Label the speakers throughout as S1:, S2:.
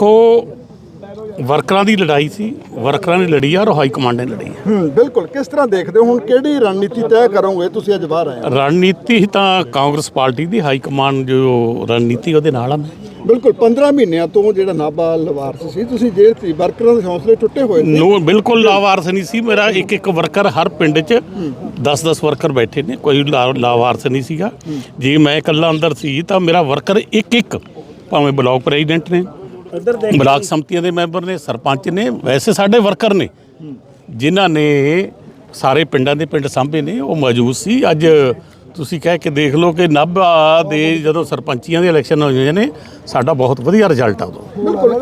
S1: देखो ਵਰਕਰਾਂ ਦੀ ਲੜਾਈ ਸੀ, ਵਰਕਰਾਂ ਨੇ ਲੜੀ ਆ ਔਰ ਹਾਈ ਕਮਾਂਡ ਨੇ ਲੜੀ ਹੈ।
S2: ਬਿਲਕੁਲ। ਕਿਸ ਤਰ੍ਹਾਂ ਦੇਖਦੇ ਹੋ ਹੁਣ ਕਿਹੜੀ ਰਣਨੀਤੀ ਤੈਅ ਕਰੋਗੇ ਤੁਸੀਂ ਅੱਜ ਬਾਹਰ ਆਏ?
S1: ਰਣਨੀਤੀ ਤਾਂ ਕਾਂਗਰਸ ਪਾਰਟੀ ਦੀ ਹਾਈ ਕਮਾਂਡ ਜੋ ਰਣਨੀਤੀ ਉਹਦੇ ਨਾਲ ਆ ਮੈਂ।
S2: ਬਿਲਕੁਲ। 15 ਮਹੀਨਿਆਂ ਤੋਂ ਜਿਹੜਾ ਨਾਭਾ ਲਵਾਰਸ ਸੀ, ਤੁਸੀਂ ਜੇਲ੍ਹ ਸੀ, ਵਰਕਰਾਂ ਦੇ ਹੌਸਲੇ ਟੁੱਟੇ ਹੋਏ ਨੇ।
S1: ਨੋ ਬਿਲਕੁਲ ਲਾਵਾਰਸ ਨਹੀਂ ਸੀ। ਮੇਰਾ ਇੱਕ ਵਰਕਰ ਹਰ ਪਿੰਡ 'ਚ 10-10 ਵਰਕਰ ਬੈਠੇ ਨੇ, ਕੋਈ ਲਾਵਾਰਸ ਨਹੀਂ ਸੀਗਾ। ਜੇ ਮੈਂ ਇਕੱਲਾ ਅੰਦਰ ਸੀ ਤਾਂ ਮੇਰਾ ਵਰਕਰ ਇੱਕ ਭਾਵੇਂ ਬਲਾਕ ਪ੍ਰੈਜ਼ੀਡੈਂਟ ਨੇ, ਬਲਾਕ ਸੰਮਤੀਆਂ ਦੇ ਮੈਂਬਰ ਨੇ, ਸਰਪੰਚ ਨੇ, ਵੈਸੇ ਸਾਡੇ ਵਰਕਰ ਨੇ ਜਿਨ੍ਹਾਂ ਨੇ ਸਾਰੇ ਪਿੰਡਾਂ ਦੇ ਪਿੰਡ ਸਾਂਭੇ ਨੇ, ਉਹ ਮੌਜੂਦ ਸੀ। ਅੱਜ ਤੁਸੀਂ ਕਹਿ ਕੇ ਦੇਖ ਲਓ ਕਿ ਨਾਭਾ ਦੇ ਜਦੋਂ ਸਰਪੰਚੀਆਂ ਦੇ ਇਲੈਕਸ਼ਨ ਹੋਏ ਨੇ, ਸਾਡਾ ਬਹੁਤ ਵਧੀਆ ਰਿਜ਼ਲਟ ਆ ਉਦੋਂ।
S2: ਬਿਲਕੁਲ।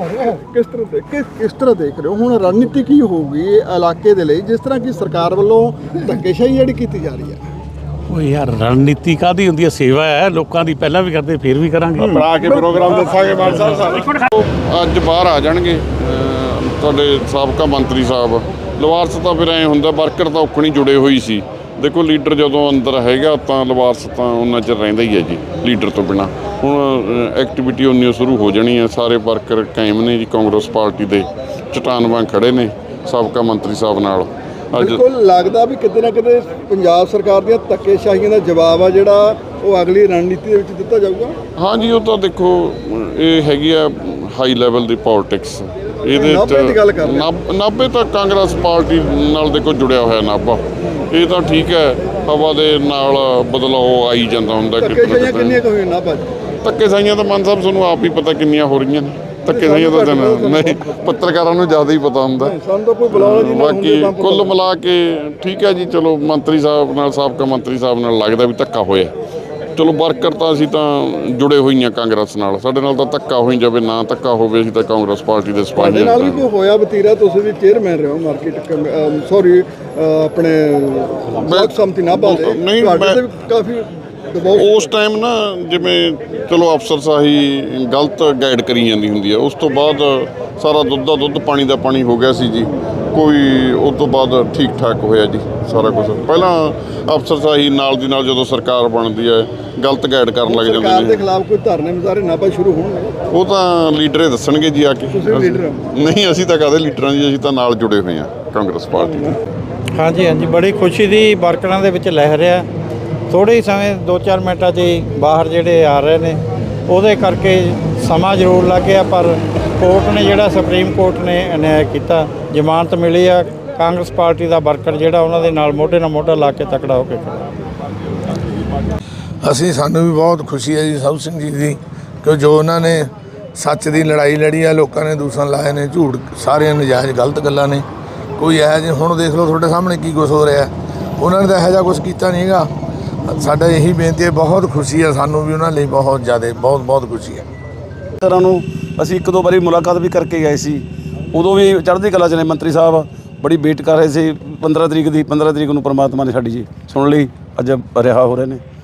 S2: ਕਿਸ ਤਰ੍ਹਾਂ ਦੇਖ ਰਹੇ ਹੋ ਹੁਣ ਰਣਨੀਤੀ ਕੀ ਹੋਊਗੀ ਇਲਾਕੇ ਦੇ ਲਈ, ਜਿਸ ਤਰ੍ਹਾਂ ਕਿ ਸਰਕਾਰ ਵੱਲੋਂ ਧੱਕੇਸ਼ਾਹੀ ਜਿਹੜੀ ਕੀਤੀ ਜਾ ਰਹੀ ਹੈ?
S1: ਉਹ ਯਾਰ ਰਣਨੀਤੀ ਕਾਹਦੀ ਹੁੰਦੀ ਹੈ? ਸੇਵਾ ਹੈ ਲੋਕਾਂ ਦੀ, ਪਹਿਲਾਂ ਵੀ ਕਰਦੇ ਫਿਰ ਵੀ ਕਰਾਂਗੇ।
S3: ਬਣਾ ਕੇ ਪ੍ਰੋਗਰਾਮ ਦੱਸਾਂਗੇ ਮਾਨ ਸਾਹਿਬ ਅੱਜ ਬਾਹਰ ਆ ਜਾਣਗੇ ਤੁਹਾਡੇ ਸਾਬਕਾ ਮੰਤਰੀ ਸਾਹਿਬ। ਲਵਾਰਸ ਤਾਂ ਫਿਰ ਐਂ ਹੁੰਦਾ, ਵਰਕਰ ਤਾਂ ਔਖਣੀ ਜੁੜੇ ਹੋਈ ਸੀ। ਦੇਖੋ ਲੀਡਰ ਜਦੋਂ ਅੰਦਰ ਹੈਗਾ ਤਾਂ ਲਵਾਰਸ ਤਾਂ ਉਹਨਾਂ ਚਿਰ ਰਹਿੰਦਾ ਹੀ ਹੈ ਜੀ, ਲੀਡਰ ਤੋਂ ਬਿਨਾਂ। ਹੁਣ ਐਕਟੀਵਿਟੀ ਉਨੀ ਸ਼ੁਰੂ ਹੋ ਜਾਣੀ ਹੈ। ਸਾਰੇ ਵਰਕਰ ਕਾਇਮ ਨੇ ਜੀ, ਕਾਂਗਰਸ ਪਾਰਟੀ ਦੇ ਚਟਾਨ ਵਾਂਗ ਖੜੇ ਨੇ ਸਾਬਕਾ ਮੰਤਰੀ ਸਾਹਿਬ ਨਾਲ।
S2: ਬਿਲਕੁਲ। ਲੱਗਦਾ ਵੀ ਕਿਤੇ ਨਾ ਕਿਤੇ ਪੰਜਾਬ ਸਰਕਾਰ ਦੀਆਂ ਧੱਕੇਸ਼ਾਹੀਆਂ ਦਾ ਜਵਾਬ ਆ ਜਿਹੜਾ ਉਹ ਅਗਲੀ ਰਣਨੀਤੀ ਦੇ ਵਿੱਚ ਦਿੱਤਾ ਜਾਊਗਾ।
S3: ਹਾਂਜੀ, ਉਹ ਤਾਂ ਦੇਖੋ ਇਹ ਹੈਗੀ ਆ ਹਾਈ ਲੈਵਲ ਦੀ ਪੋਲਿਟਿਕਸ। ਇਹਦੇ ਨਾਭੇ ਤਾਂ ਕਾਂਗਰਸ ਪਾਰਟੀ ਨਾਲ ਦੇਖੋ ਜੁੜਿਆ ਹੋਇਆ ਨਾਭਾ। ਇਹ ਤਾਂ ਠੀਕ ਹੈ, ਹਵਾ ਦੇ ਨਾਲ ਬਦਲਾਅ ਆਈ ਜਾਂਦਾ ਹੁੰਦਾ।
S2: ਧੱਕੇਸ਼ਾਹੀਆਂ ਕਿੰਨੀਆਂ ਕੁ ਹੋਈਆਂ ਨਾਭਾ 'ਚ?
S3: ਧੱਕੇਸ਼ਾਹੀਆਂ ਤਾਂ ਮਾਨ ਸਾਹਿਬ ਤੁਹਾਨੂੰ ਆਪ ਹੀ ਪਤਾ ਕਿੰਨੀਆਂ ਹੋ ਰਹੀਆਂ ਨੇ। ਧੱਕੇਸ਼ਾਹੀਆਂ ਤਾਂ ਨਹੀਂ, ਪੱਤਰਕਾਰਾਂ ਨੂੰ ਜ਼ਿਆਦਾ ਹੀ ਪਤਾ ਹੁੰਦਾ। ਬਾਕੀ ਕੁੱਲ ਮਿਲਾ ਕੇ ਠੀਕ ਹੈ ਜੀ। ਚਲੋ ਮੰਤਰੀ ਸਾਹਿਬ ਨਾਲ, ਸਾਬਕਾ ਮੰਤਰੀ ਸਾਹਿਬ ਨਾਲ ਲੱਗਦਾ ਵੀ ਧੱਕਾ ਹੋਇਆ। ਚਲੋ ਵਰਕਰ ਤਾਂ ਅਸੀਂ ਤਾਂ ਜੁੜੇ ਹੋਈਆਂ ਕਾਂਗਰਸ ਨਾਲ, ਸਾਡੇ ਨਾਲ ਤਾਂ ਧੱਕਾ ਹੋਈ ਜਾਵੇ ਨਾ ਧੱਕਾ ਹੋਵੇ, ਅਸੀਂ ਤਾਂ ਕਾਂਗਰਸ ਪਾਰਟੀ ਦੇ ਸਿਪਾਹੀ।
S2: ਸਾਡੇ ਨਾਲ ਵੀ ਕੋਈ ਹੋਇਆ ਵਤੀਰਾ? ਤੁਸੀਂ ਵੀ ਚੇਅਰਮੈਨ ਰਹੇ ਹੋ ਮਾਰਕੀਟ, ਸੌਰੀ ਆਪਣੇ ਬਲਾਕ ਸੰਮਤੀ ਨਾਭਾ ਦੇ।
S3: ਨਹੀਂ,
S2: ਕਾਫੀ
S3: ਉਸ ਟਾਈਮ ਨਾ ਜਿਵੇਂ ਚਲੋ ਅਫਸਰਸ਼ਾਹੀ ਗਲਤ ਗਾਈਡ ਕਰੀ ਜਾਂਦੀ ਹੁੰਦੀ ਹੈ। ਉਸ ਤੋਂ ਬਾਅਦ ਸਾਰਾ ਦੁੱਧ ਦਾ ਦੁੱਧ, ਪਾਣੀ ਦਾ ਪਾਣੀ ਹੋ ਗਿਆ ਸੀ ਜੀ। ਕੋਈ ਉਸ ਤੋਂ ਬਾਅਦ ਠੀਕ ਠਾਕ ਹੋਇਆ ਜੀ ਸਾਰਾ ਕੁਝ। ਪਹਿਲਾਂ ਅਫਸਰਸ਼ਾਹੀ ਨਾਲ ਦੀ ਨਾਲ ਜਦੋਂ ਸਰਕਾਰ ਬਣਦੀ ਹੈ ਗਲਤ ਗਾਈਡ ਕਰਨ ਲੱਗ ਜਾਂਦੇ ਨੇ।
S2: ਸਰਕਾਰ ਦੇ ਖਿਲਾਫ ਕੋਈ ਧਰਨੇ ਮੁਜ਼ਾਹਰੇ ਨਾਭਾ ਸ਼ੁਰੂ ਹੋਣਗੇ?
S3: ਉਹ ਤਾਂ ਲੀਡਰ ਹੀ ਦੱਸਣਗੇ ਜੀ ਆ ਕੇ। ਨਹੀਂ, ਅਸੀਂ ਤਾਂ ਕਾਹਦੇ ਲੀਡਰਾਂ ਜੀ, ਅਸੀਂ ਤਾਂ ਨਾਲ ਜੁੜੇ ਹੋਏ ਹਾਂ ਕਾਂਗਰਸ ਪਾਰਟੀ ਦੇ।
S4: ਹਾਂਜੀ, ਬੜੀ ਖੁਸ਼ੀ ਦੀ ਵਰਕਰਾਂ ਦੇ ਵਿੱਚ ਲਹਿਰ ਆ। ਥੋੜ੍ਹੇ ਹੀ ਸਮੇਂ 2-4 ਮਿੰਟਾਂ 'ਚ ਹੀ ਬਾਹਰ ਜਿਹੜੇ ਆ ਰਹੇ ਨੇ, ਉਹਦੇ ਕਰਕੇ ਸਮਾਂ ਜ਼ਰੂਰ ਲੱਗ ਗਿਆ, ਪਰ ਕੋਰਟ ਨੇ ਜਿਹੜਾ ਸੁਪਰੀਮ ਕੋਰਟ ਨੇ ਅਨਿਆਏ ਕੀਤਾ, ਜ਼ਮਾਨਤ ਮਿਲੀ ਆ। ਕਾਂਗਰਸ ਪਾਰਟੀ ਦਾ ਵਰਕਰ ਜਿਹੜਾ ਉਹਨਾਂ ਦੇ ਨਾਲ ਮੋਢੇ ਨਾਲ ਮੋਢਾ ਲਾ ਕੇ ਤਕੜਾ ਹੋ ਕੇ ਖੜਾ।
S5: ਸਾਨੂੰ ਵੀ ਬਹੁਤ ਖੁਸ਼ੀ ਹੈ ਜੀ ਸਾਧੂ ਸਿੰਘ ਜੀ ਦੀ, ਕਿ ਜੋ ਉਹਨਾਂ ਨੇ ਸੱਚ ਦੀ ਲੜਾਈ ਲੜੀ ਆ, ਲੋਕਾਂ ਨੇ ਦੂਸ਼ਣ ਲਾਏ ਨੇ, ਝੂਠ, ਸਾਰੀਆਂ ਨਜਾਇਜ਼ ਗਲਤ ਗੱਲਾਂ ਨੇ। ਕੋਈ ਇਹੋ ਜਿਹੇ ਹੁਣ ਦੇਖ ਲਓ ਤੁਹਾਡੇ ਸਾਹਮਣੇ ਕੀ ਕੁਛ ਹੋ ਰਿਹਾ। ਉਹਨਾਂ ਨੇ ਤਾਂ ਇਹੋ ਜਿਹਾ ਕੁਛ ਕੀਤਾ ਨਹੀਂ ਹੈਗਾ। ਸਾਡਾ ਇਹੀ ਬੇਨਤੀ ਹੈ, ਬਹੁਤ ਖੁਸ਼ੀ ਹੈ ਸਾਨੂੰ ਵੀ ਉਹਨਾਂ ਲਈ, ਬਹੁਤ ਜ਼ਿਆਦਾ, ਬਹੁਤ ਖੁਸ਼ੀ ਹੈ।
S6: ਤਰ੍ਹਾਂ ਨੂੰ ਅਸੀਂ 1-2 ਵਾਰੀ ਮੁਲਾਕਾਤ ਵੀ ਕਰਕੇ ਗਏ ਸੀ, ਉਦੋਂ ਵੀ ਚੜ੍ਹਦੀ ਕਲਾ 'ਚ ਨੇ ਮੰਤਰੀ ਸਾਹਿਬ, ਬੜੀ ਵੇਟ ਕਰ ਰਹੇ ਸੀ। 15 ਤਰੀਕ ਨੂੰ ਪਰਮਾਤਮਾ ਨੇ ਸਾਡੀ ਜੀ ਸੁਣ ਲਈ, ਅੱਜ ਰਿਹਾ ਹੋ ਰਹੇ ਨੇ।